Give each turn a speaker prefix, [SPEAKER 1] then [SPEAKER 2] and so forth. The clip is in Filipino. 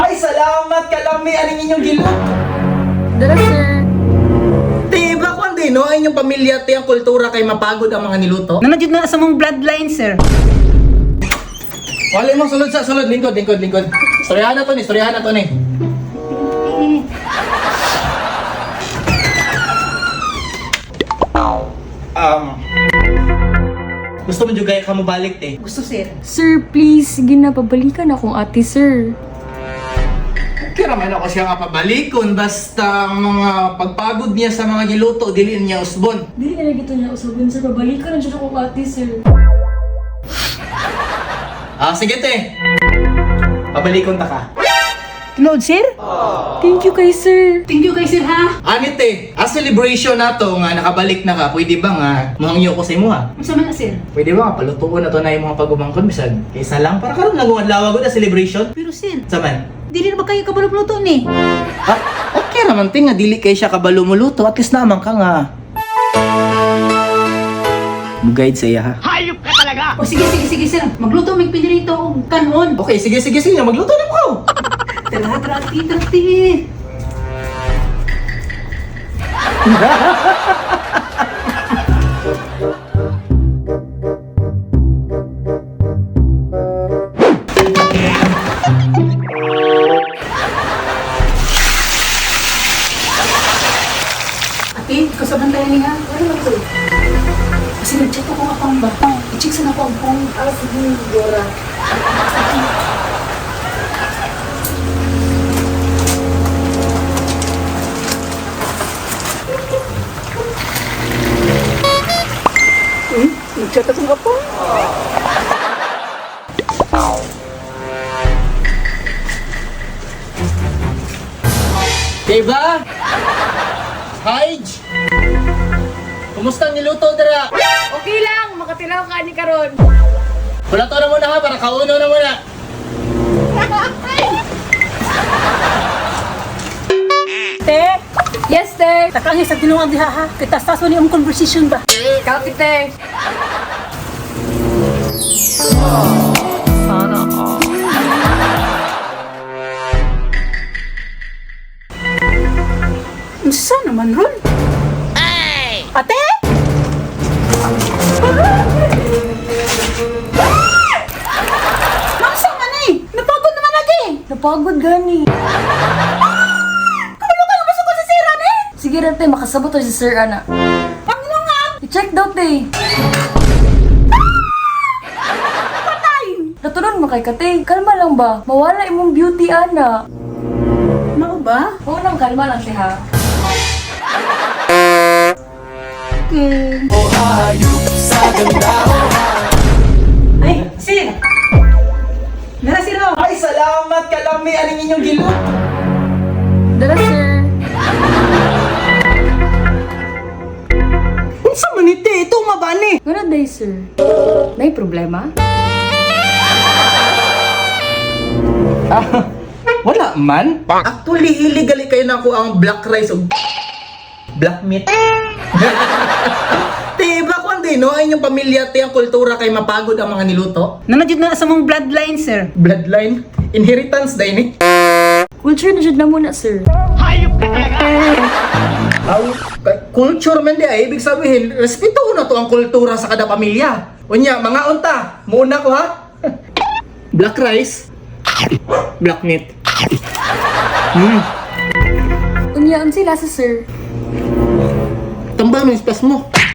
[SPEAKER 1] Ay, salamat kalami aning inyong gilot.
[SPEAKER 2] Dala, sir.
[SPEAKER 1] Tiba ko hindi, no? Ay inyong pamilya, ti ang kultura kay mapagod ang mga niluto.
[SPEAKER 3] Nanadjud na sa mong bloodline, sir.
[SPEAKER 1] Wala mo, sulod sa sulod. Lingkod. Storyahan na to ni. Gusto mo juga ka mo balik, te?
[SPEAKER 3] Gusto, sir.
[SPEAKER 2] Sir, please. Sige na, pabalikan akong ate, sir.
[SPEAKER 1] Kira man ako siya kapabalikon, basta mga pagpagod niya sa mga giluto, diliin niya usbon.
[SPEAKER 2] Dili na gito niya usabon, sir. Pabalikan na siya akong ate, sir.
[SPEAKER 1] Sige, te. Pabalikon ta ka.
[SPEAKER 3] Lord, sir?
[SPEAKER 2] Thank you kay sir.
[SPEAKER 3] Thank you kay sir, ha?
[SPEAKER 1] Anit, te. Celebration na to nga nakabalik na ka, pwede ba nga muhangyo ko sa imo, ha?
[SPEAKER 3] Unsa man na, sir?
[SPEAKER 1] Pwede ba nga palutuon na to na yung mga pagumangkon, bisag kaysa lang, para karon lagungan lawag na celebration.
[SPEAKER 3] Pero, sir,
[SPEAKER 1] Saman?
[SPEAKER 3] dili na ba kayo kabalog-luto ni?
[SPEAKER 1] Okay naman, te, nga dili kay siya kabalo muluto, at least naman ka nga. Mugayad sa iya, ha?
[SPEAKER 3] O, sige, sir. Magluto, may pinirito og kanon.
[SPEAKER 1] Okay, sige, magluto na mo.
[SPEAKER 3] Tara, ati. Ate, kasaban tayo niya. Ano ba ito? Kasi nag-chat ako nga pang bata. I-check sa na po ang phone. Sige, Dora. Nag-chat ako nga po.
[SPEAKER 1] Diba? Haj! Kumusta ang niluto, dara?
[SPEAKER 2] Okay lang, makatilaw ka ni karon.
[SPEAKER 1] Wala to na muna, ha? Para kauno na muna.
[SPEAKER 3] Te,
[SPEAKER 2] Yes, te.
[SPEAKER 3] takang sa tinuang diha, ha? Kita sa ni ang conversation ba?
[SPEAKER 2] Ikaw, te.
[SPEAKER 3] Unsa naman ron? Ate? Masa man eh? Napagod naman lagi.
[SPEAKER 2] Napagod gani.
[SPEAKER 3] Kabalo ka, gusto ko sa sira ni.
[SPEAKER 2] Sige rin, te. Makasabot tayo si sir, ana.
[SPEAKER 3] Pangulungan!
[SPEAKER 2] I-check daw, te.
[SPEAKER 3] Patay!
[SPEAKER 2] Naturon mo kay kate. Kalma lang ba? Mawala imong beauty, ana.
[SPEAKER 3] Mao ba?
[SPEAKER 2] Oo nang kalma lang, te, ha?
[SPEAKER 3] Okay. Ay, sir! Nara sir, oh.
[SPEAKER 1] Ay, salamat kalami aning inyong gilot.
[SPEAKER 2] Dala, sir.
[SPEAKER 3] Unsa man ni te? Ito mabani.
[SPEAKER 2] Ngano day, sir? May problema?
[SPEAKER 1] Wala man. Actually, illegally kayo na ako ang black rice o black meat. Diba ko hindi, no? Ay inyong pamilya, ti ang kultura kay mapagod ang mga niluto.
[SPEAKER 3] Nanadjud na sa mong bloodline, sir.
[SPEAKER 1] Bloodline, inheritance dahil ni.
[SPEAKER 2] Culture na jud na muna, sir.
[SPEAKER 1] Culture man di ay, ibig sabihin, respeto na to ang kultura sa kada pamilya. Unya, mga unta, muna ko ha. Black rice, black meat.
[SPEAKER 2] Unyaan sila sa sir.
[SPEAKER 1] Tambang ng ispas mo.